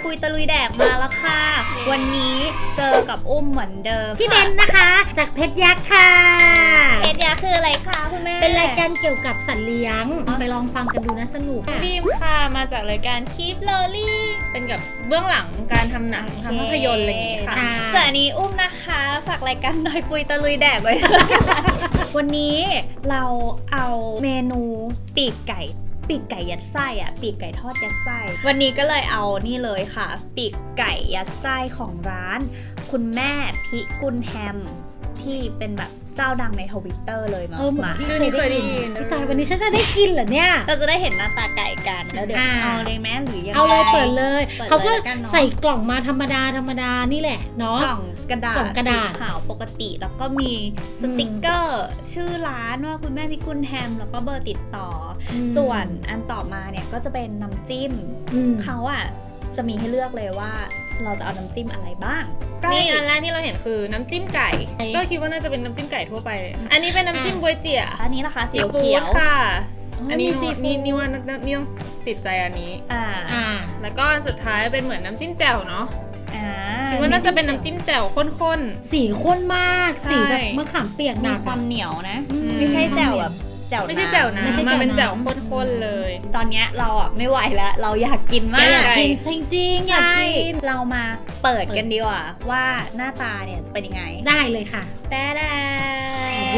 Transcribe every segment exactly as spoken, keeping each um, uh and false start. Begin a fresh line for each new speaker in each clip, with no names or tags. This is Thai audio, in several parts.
ปุยตะลุยแดกมาแล้วค่ะ วันนี้เจอกับอุ้มเหมือนเดิม
พี่เบนนะคะจากเพชรยักษ์ค่ะ
เพชรยักษ์คืออะไรคะคุณแม่
เป็นรายการเกี่ยวกับสัตว์เลี้ยงไปลองฟังกันดูนะสนุก
บีมค่ะมาจากรายการ Keep Lolly เป็นกับเบื้องหลังการทำหนังทำภาพยนตร์อะไรอย่างเงี้ยค่ะ
ส่วนอันนี้อุ้มนะคะฝากรายการหน่อยปุยตะลุยแดกไว้ วันนี้เราเอาเมนูปีกไก่ปีกไก่ยัดไส้อะปีกไก่ทอดยัดไส้วันนี้ก็เลยเอานี่เลยค่ะปีกไก่ยัดไส้ของร้านคุณแม่พิกุลแฮมที่เป็นแบบเจ้าดังในทวิตเตอร์เลยมา
เออเหมือน
มา
ที่
ชื่อ
เค
นี้
ย
เคยได้
ได้ยิ
ยิ
น
น
พี่ตายวันนี้ฉันจะได้กินเหรอเนี่ย
เราจะได้เห็นหน้าตาไก่กันแล้วเดี๋ยว
อ่า
เอาเลยแม่หรือยังไง
เอาเลยเปิดเลย
ปิด
เขาก็
ลยละนนอะ
ใส่กล่องมาธรรมดาธรรมดานี่แหละเนาะ
กล่องกระดาษ
กล่องกระดาษ
สีขาวปกติแล้วก็มีสติกเกอร์ ชื่อร้านว่าคุณแม่พิกุลแฮมแล้วก็เบอร์ติดต่ออ
ม
ส่วนอันต่อมาเนี่ยก็จะเป็นน้ำจิ้ม
อืม
เขาอ่ะจะมีให้เลือกเลยว่าเราจะเอาน้ำจิ้มอะไรบ้าง
นี่อันแรกที่เราเห็นคือน้ำจิ้มไก่ ก็คิดว่าน่าจะเป็นน้ำจิ้มไก่ทั่วไป อันนี้เป็นน้ำจิ้มบวยเจี๋ย
อันนี้นะคะสี
ซีฟู้
เขีย
ด
ว
ค่ะ
อ๋ออั
อันนี้
มีซีฟู้ด
นี่นี่ว่านี่ต้องติดใจอันนี้
อ่า
อ่า
แล้วก็สุดท้ายเป็นเหมือนน้ำจิ้มแจ่วเนาะ
อ่า
คิดว่าน่าจะเป็นน้ำจิ้มแจ่วข้น
สีข้นมาก
ใช่
สีแบบมะขามเปียกห
มี
นัก
ความ
อะ
เหนียวนะ
อืม
ไม่ใช่แจ่วแบบแจ่ว
ๆ ไม่ใช่แจ่ว
น้ำ
น้ำ
ไม่ใช่
มาเป็น
แจ่
แจ่
ว
ว
น้ำ
ข้นๆเลย
ตอนเนี้ยเราอ่ะไม่ไหวแล้วเราอยากกิน
แก
มาก
อยากกิน
ใช่
จริงๆอยาก
ใช่
กิน
เรามาเปิดกันดีกว่าว่าหน้าตาเนี่ยจะเป็นยังไง
ได้เลยค่ะ
แต่แด
โอ้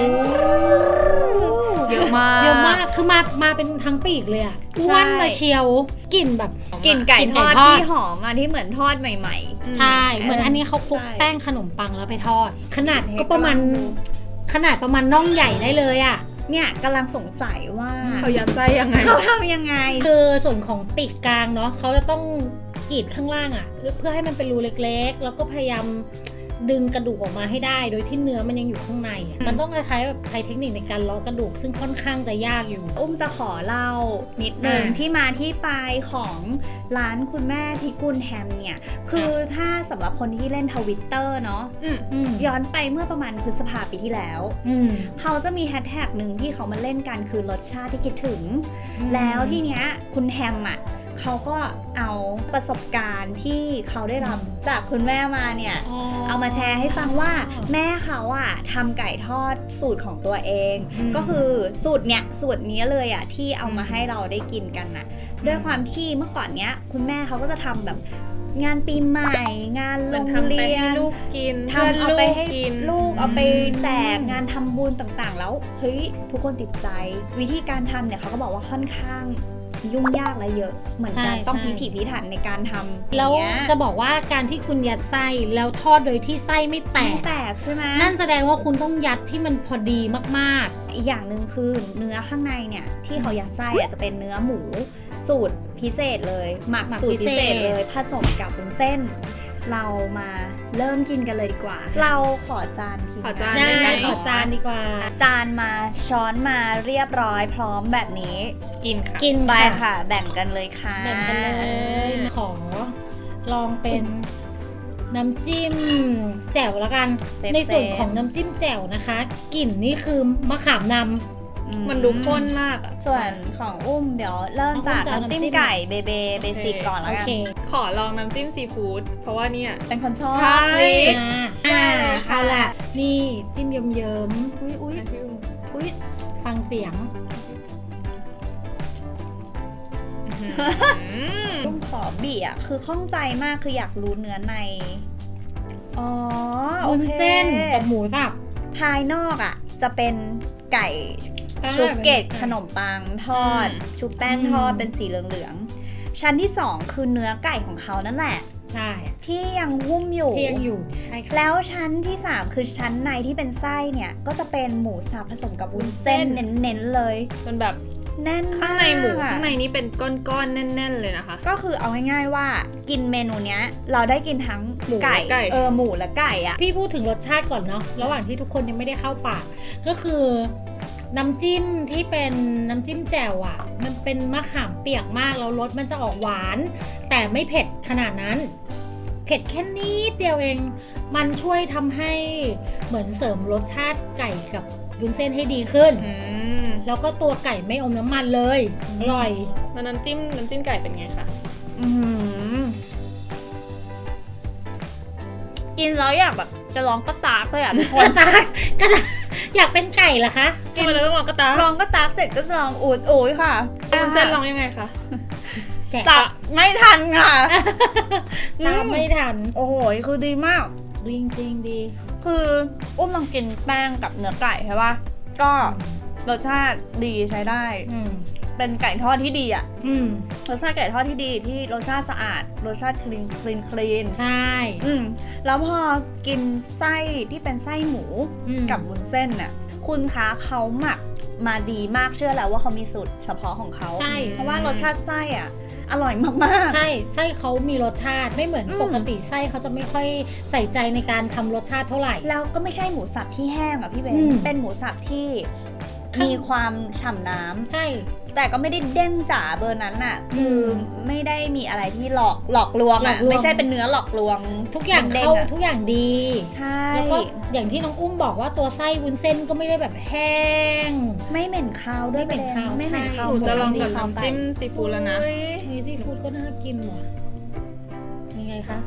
เยอะมาก
เยอะมากคือมามาเป็นทั้งปีกเลยอ่ะอ้วนมาเชียวกลิ่นแบบ
กลิ่นไก่
กลิ่น
ท
ไก่
อด
ทอด
ที่หอมอ่ะที่เหมือนทอดใหม่
ใช่ เหมือนอันนี้เขาคลุก
ใช่
แป้งขนมปังแล้วไปทอด ขนาด
เฮ้ย
ก็ประมาณ
กำลังดู
ขนาดประมาณน่องใหญ่ได้เลยอ่ะ
ๆเนี่ยกำลังสงสัยว่า
เขายัดไส้ยังไง
เขาทำยังไง
คือส่วนของปีกกลางเนาะเขาจะต้องกรีดข้างล่างอ่ะ เพื่อให้มันเป็นรูเล็กๆ แล้วก็พยายามดึงกระดูกออกมาให้ได้ โดยที่เนื้อมันยังอยู่ข้างในอะ
อืม
มันต้องคล้ายๆแบบใช้เทคนิคในการเลาะกระดูกซึ่งค่อนข้างจะยากอยู่
อุ้มจะขอเล่านิดนึง
อ่า
ที่มาที่ไปของร้านคุณแม่พิกุลแฮมเนี่ยคือถ้าสำหรับคนที่เล่นทวิตเตอร์เนาะ
อืม
อืม
ย้อนไปเมื่อประมาณพฤษภาปีที่แล้ว
อืม
เขาจะมีแฮชแท็กหนึ่งที่เขามาเล่นกันคือรสชาติที่คิดถึง
อืม
แล้วที่เนี้ยคุณแฮมอ่ะเขาก็เอาประสบการณ์ที่เขาได้รับจากคุณแม่มาเนี่ย เอามาแชร์ให้ฟังว่าแม่เขาอะทำไก่ทอดสูตรของตัวเอง
อืม
ก็คือสูตรเนี้ยสูตรนี้เลยอะที่เอามาให้เราได้กินกันน่ะด้วยความที่เมื่อก่อนเนี้ยคุณแม่เขาก็จะทำแบบงานปีใหม่ งาน
เห
โร
มือน
ง
ทำไป
เรีย
ให้
น
ลูกกิน
ทำเอาไปให้
กิน
ลูกเอาไปแจกงานทำบุญต่างๆ แล้วเฮ้ยทุกคนติดใจ วิธีการทำเนี่ยเขาก็บอกว่าค่อนข้างยุ่งยากและเยอะเหมือนกัน
ใช่
ต้อง
ใช่
พิถีพิถันในการทำ
แล้ว
อย่างเงี้ย
จะบอกว่าการที่คุณยัดไส้แล้วทอดโดยที่ไส้ไม่แต
ไม่
ก
แตกใช่ไหม
นั่นแสดงว่าคุณต้องยัดที่มันพอดีมาก
อีกอย่างหนึ่งคือเนื้อข้างในเนี่ยที่เขายัดไส้อะจะเป็นเนื้อหมูสูตรพิเศษเลยหมัก
หมัก
สูตรพิเศษ
พิเศษ
เลยผสมกับวุ้นเส้น เรามาเริ่มกินกันเลยดีกว่า เราขอจานที
ขอจา
ๆ
น
ได้
ได้
ขอจานดีกว่า
จานมาช้อนมาเรียบร้อยพร้อมแบบนี้
กินค่ะ
กิน
ไป
ค่ะ
ค่ะ แบ่งกันเลยค่ะ
แบ่งกันเลย ขอลองเป็นน้ำจิ้มแจ่วแล้วกัน
เซฟๆ
ในส่วนของน้ำจิ้มแจ่วนะคะกลิ่นนี่คือมะขามน
อื
มันดูข้นมากอ่ะ
ส่วนของอุ้มเดี๋ยวเริ่มจาก
เอาอุ้มจะเอา
น้ำจิ้ม
น้ำจิ้ม
ไก่เบเบเบสิกก่อน
ำ
แล้ว
โอ
กัน
เค
ขอลองน้ำจิ้มซีฟู้ดเพราะว่าเนี่ย
เป็นคนชอบ
ใช่
พริก
อ่า
ได้เลยค่ะ
เอาล่ะ นี่จิ้มเยิ้ม
อุ้ยอุ้ยอุ้ย
ๆฟังเสียง
ตุ้มขอบีอ่ะคือข้องใจมากคืออยากรู้เนื้อใน อ๋อโอ
วุ้น
เค
เส้นกับหมูสับ
ภายนอกอ่ะ จะเป็นไก่
อ่า
ชุบเกล็ด
เป็นไก่
ขนมปังทอด
อืม
ชุบแป้ง
อืม
ทอดเป็นสีเหลืองๆ ชั้นที่สองคือเนื้อไก่ของเขานั่นแหละ
ใช่
ที่ยังหุ้มอยู่
เที่ยงอยู่ใช่ค่ะ
แล้วชั้นที่สามคือชั้นในที่เป็นไส้เนี่ย ก็จะเป็นหมูสับผสมกับวุ้นเส้นเน้นๆเลย
มันแบบ
แน่นมาก
ข้างในหมู
อะ
ข้างในนี้เป็นก้อนๆแน่น ๆเลยนะคะ
ก็คือเอาง่ายๆว่ากินเมนูเนี้ย เราได้กินทั้ง
หมู
ไก่
และไก่
เออหมูและไก่อะ
พี่พูดถึงรสชาติก่อนเนาะระหว่างที่ทุกคนยังไม่ได้เข้าปาก ก็คือน้ำจิ้มที่เป็นน้ำจิ้มแจ่วอ่ะ มันเป็นมะขามเปียกมากแล้วรสมันจะออกหวาน แต่ไม่เผ็ดขนาดนั้น เผ็ดแค่นิดเดียวเอง มันช่วยทำให้เหมือนเสริมรสชาติไก่กับวุ้นเส้นให้ดีขึ้น
อืม
แล้วก็ตัวไก่ไม่อมน้ำมันเลย อร่อย
แล้วน้ำจิ้มน้ำจิ้มไก่เป็นไงคะ
อืมกินแล้วอยากแบบจะร้องกระตากเลยอ่ะทุกคน
ก็อยากเป็นไก่เหรอคะ
ทำไมเราต้องลองกระตา
ร้องกระตากเสร็จก็จะร้องอูดอูดค่ะ
วุ้นเส้นลองยังไงคะ
แจก
ตักไม่ทันค่ะ
ตามไม่ทัน
โอ้โหคือดีมาก
จริงจริงๆดี
คืออุ้มลองกินแป้งกับเนื้อไก่ใช่ปะก็รสชาติดีใช้ได้
อืม
เป็นไก่ทอดที่ดีอะ
อืม
รสชาติไก่ทอดที่ดีที่รสชาติสะอาดรสชาติคลีนคลีนคลีน
ใช่
อืมแล้วพอกินไส้ที่เป็นไส้หมู
อืม
กับวุ้นเส้นน่ะคุณคะเขาหมักมาดีมากเชื่อแล้วว่าเขามีสูตรเฉพาะของเขา
ใช่
เพราะว่ารสชาติไส้อ่ะอร่อยมาก
ใช่ไส้เขามีรสชาติไม่เหมือน
อืม
ปกติไส้เขาจะไม่ค่อยใส่ใจในการทำรสชาติเท่าไหร่
ๆแล้วก็ไม่ใช่หมูสับที่แห้งอ่ะพี่เบน
อืม
เป็นหมูสับที่
ข้าง
มีความฉ่ำน้ำ
ใช่
แต่ก็ไม่ได้เด้งจ๋าเบอร์นั้นน่ะ
อื
คือ
ม
ไม่ได้มีอะไรที่หลอกหลอกลวง
หลอ
อ่ะ
กลวง
ไม่ใช่เป็นเนื้อหลอกลวง
ทุกอย่าง
ด้
เข้าง
ๆอะ
ทุกอย่างดี
ใช่
แล้วก็อย่างที่น้องอุ้มบอกว่าตัวไส้วุ้นเส้นก็ไม่ได้แบบแห้ง
ไม่เหม็นคาวด้วย
ไม่เหม็นคาว
ไม่เหม็น
ใช่
คาว
หนูจะลองกับ
หมู
น้ำจิ้มซีฟู้ดแล้วนะ
อุ๊ย
มีซีฟู้ดก็น่ากินว่ะยังไงคะ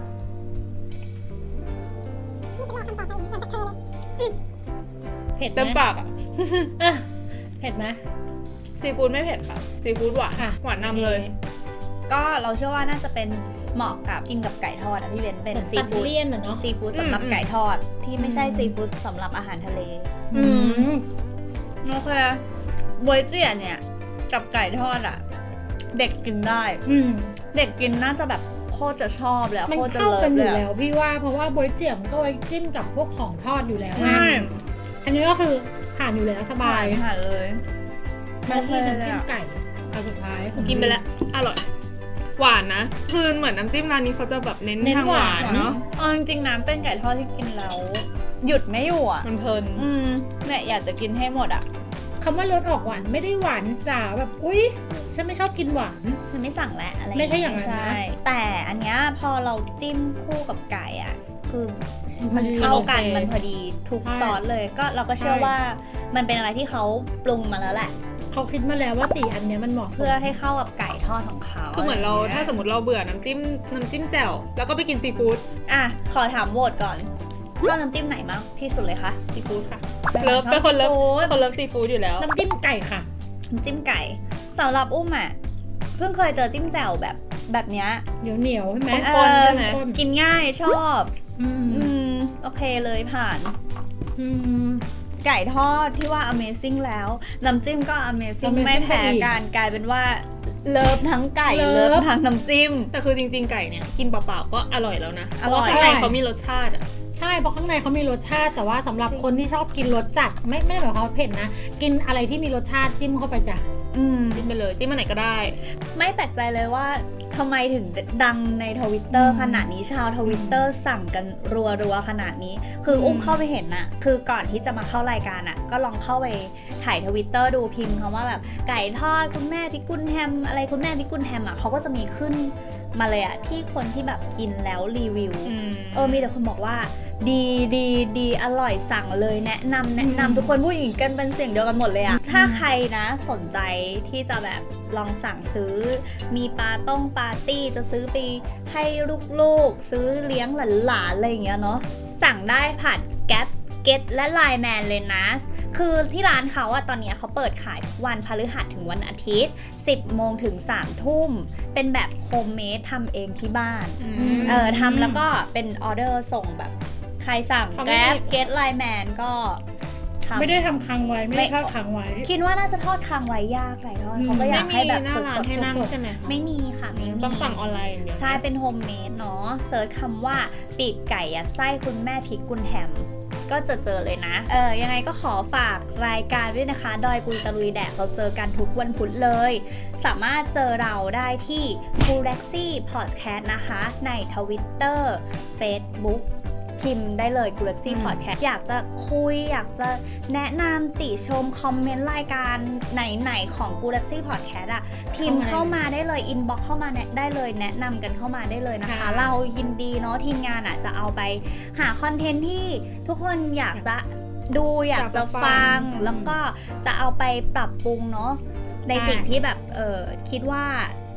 เผ็ดไห
เต็ม
ม
ปากอ่ะ
อ่ะเผ็ดไหม
ซีฟู้ดไม่เผ็ดค่ะซีฟู้ดหวาน
ค่ะ
หวานนำเลย
ก็เราเชื่อว่าน่าจะเป็นเหมาะกับกินกับไก่ทอดอะพี่เบนเป็น
เหมือน
ซี
ตัด
ฟู้ด
เลี่ยนอะเนาะ
ซีฟู้ดสำหรับ
อืม
ไก่ทอดที่ไม่ใช่
อืม
ซีฟู้ดสำหรับอาหารทะเล
อืม
โอเคบวยเจี๋ยเนี่ยกับไก่ทอดอ่ะ เด็กกินได้
อืม
เด็กกินน่าจะแบบโคตรจะชอบเลยอะ
มัน
โคตรจะ
เข้า
เลิ
กัน
ฟ
อ
เลย
ยู่
อะ
แล้วพี่ว่าเพราะว่าบวยเจี๋ยมก็ไว้จิ้มกับพวกของทอดอยู่แล้ว
ใช่
อันนี้ก็คือผ่านอยู่แล้วสบาย
ผ่านเลย
มาที่
โอเค
น้ำ
เลย
จิ้ม
อะ
ไก่อันสุดท้าย
กินไปแล้วอร่อย หวานนะ คือเหมือนน้ำจิ้มร้านนี้เขาจะแบบเน้น
เน้น
ทาง
ห
ห
วาว
าน นเนาะ
เอาจริงๆน้ำเป็นไก่ทอดที่กินแล้วหยุดไม่อยู่อ่ะ
มันเพลิน
อืมเนี่ยอยากจะกินให้หมดอ่ะ
คำว่ารสออกหวานไม่ได้หวานจ๋าแบบอุ๊ยฉันไม่ชอบกินหวาน
ฉันไม่สั่งแล้วอะไร
ไม่ใช่อย่างนั้นนะ
ใช่แต่อันเนี้ยพอเราจิ้มคู่กับไก่อ่ะคือ
มั
มัน
น
เข้ากัน
โอเค
มันพอดีทุก
ใช่
ซอสเลยก็เราก็เชื่อ
ใช่
ว่ามันเป็นอะไรที่เขาปรุงมาแล้วแหละ
เขาคิดมาแล้วว่าสี่อันเนี้ยมันเหมาะสม
เพื่อให้เข้ากับไก่ทอดของเขา
คือเหมือนเรา
ะไย่งงี้ย
ถ้าสมมติเราเบื่อน้ำจิ้มน้ำจิ้มแจ่วแล้วก็ไปกินซีฟู้ด
อ่ะขอถามโหวตก่อนชอบน้ำจิ้มไหนมากที่สุดเลยคะ
ซีฟู้ดค่ะเลิฟเป็นคนเลิฟเป็นคนเลิฟซีฟู้ดอยู่แล้ว
น้ำจิ้มไก่ค่ะ
น้ำจิ้มไก่สำหรับอุ้มอ่ะเพิ่งเคยเจอจิ้มแจ่วแบบแบบเนี้ย
เหนียวเหนียวๆใช่ไหม
คนๆใช่ไหม
คน
กินง่ายชอบ
อืม
อืมโอเคเลยผ่าน
อืม
ไก่ทอดที่ว่า amazing แล้ว น้ำจิ้มก็ amazing
amazing
ไม่แพ้
ไปอีก
กันกลายเป็นว่าเลิฟทั้งไก่
เลิฟ
เลิฟทั้งน้ำจิ้ม
แต่คือจริงๆไก่เนี่ยกินเปล่าๆก็อร่อยแล้วนะ
อร่อย
เพาะว่าข้างในเขามีรสชาติอะ
ใช่เพราะข้างในเขามีรสชาติแต่ว่าสำหรับ
จริง
คนที่ชอบกินรสจัดไม่ไม่ได้หมายความว่าเผ็ดนะ กินอะไรที่มีรสชาติจิ้มเข้าไปจ้ะ
อืม
จิ้มไปเลยจิ้มมาไหนก็ได้
ไม่แปลกใจเลยว่าทำไมถึงดังในทวิตเตอร์ขนาดนี้ชาวทวิตเตอร์สั่งกันรัวๆขนาดนี้ คืออุ้มเข้าไปเห็นน่ะ คือก่อนที่จะมาเข้ารายการอ่ะ ก็ลองเข้าไปถ่ายทวิตเตอร์ดูพิมพ์คำว่าแบบไก่ทอดคุณแม่พิกุลแฮมอะไรคุณแม่พิกุลแฮมอ่ะเขาก็จะมีขึ้นมาเลยอ่ะที่คนที่แบบกินแล้วรีวิว
อืม
เออมีแต่คนบอกว่า ดีดีดีอร่อยสั่งเลยแนะนำแนะนำทุกคนผู้หญิงกันเป็นเสียงเดียวกันหมดเลยอะถ้าใครนะสนใจที่จะแบบลองสั่งซื้อ มีปาต้องปาร์ตี้จะซื้อไปให้ลูกๆ ซื้อเลี้ยงหลานๆอะไรอย่างเงี้ยเนาะสั่งได้ผ่านแก๊ปเก็ตและไลน์แมนเลยนะ คือที่ร้านเขาอะตอนเนี้ยเขาเปิดขายทุกวันพฤหัสถึงวันอาทิตย์ สิบโมงถึงสามทุ่มเป็นแบบโฮมเมดทำเองที่บ้าน
อื
อื
ม
ม
เออทำแล้วก็เป็นออเดอร์ส่งแบบใครสั่ง
เขาไม่
แกร็บ
มี
เกตไลน์แมนก็ทำ
ไม่ได้ทำค้างไว้ไม่ได้ทอดค้างไว้
คิดว่าน่าจะทอดค้างไว้ยากไก่ทอด
อืม
เขาก็อยากให้แบบ
ไม่มีหน้า
ส
ร้าน
ด
ให้นั่ง
ๆ
ใช่ไหม
ไม่มีค่ะไม่มี
ต้องสั่งออนไลน์อย่างเดียว
ใช่เป็นโฮมเมดเนาะเซิร์ชคำว่าปีกไก่ยัดไส้คุณแม่พริกกุนแฮมก็จะเจอเลยนะ เออยังไงก็ขอฝากรายการด้วยนะคะ ดอยปุยตะลุยแดกเราเจอกันทุกวันพุธเลย สามารถเจอเราได้ที่ g u l a x y Podcast นะคะใน Twitter Facebook พิมพ์ได้เลย g u l a x y
อืม
Podcast อยากจะคุย อยากจะแนะนำติชมคอมเมนต์รายการไหนๆของ g u l a x y Podcast อะพิมพ์เข้ามาได้เลย อินบ็อกเข้ามาแนะได้เลยแนะนำกันเข้ามาได้เลยนะคะ
ค่ะ
เรายินดีเนาะทีมงานอะจะเอาไปหาคอนเทนต์ที่ทุกคนอยากจะดูอยากจะฟัง แล้วก็จะเอาไปปรับปรุงเนาะในสิ่งที่แบบเออคิดว่า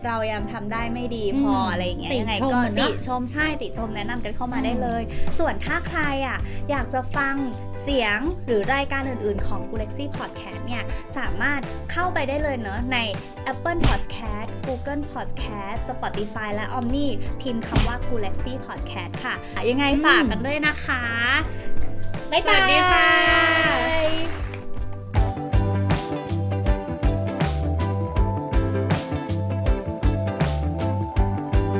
เรายังทำได้ไม่ดีพอ
ม
อะไรอย่างเงี้ย
ติ
ยังไง
ชม
ก็
อะเน
ติ
อะ
ชมใช่ติชมแนะนำกันเข้ามา
อืม
ได้เลย ส่วนถ้าใครอ่ะอยากจะฟังเสียงหรือรายการอื่นๆของ Gulexy Podcast เนี่ยสามารถเข้าไปได้เลยเนอะใน Apple Podcast Google Podcast Spotify และ Omni พิมพ์คำว่า Gulexy Podcast ค่ะยังไงฝากกันด้วยนะคะบ๊าย
ส
บาย
วัสดีค่ะ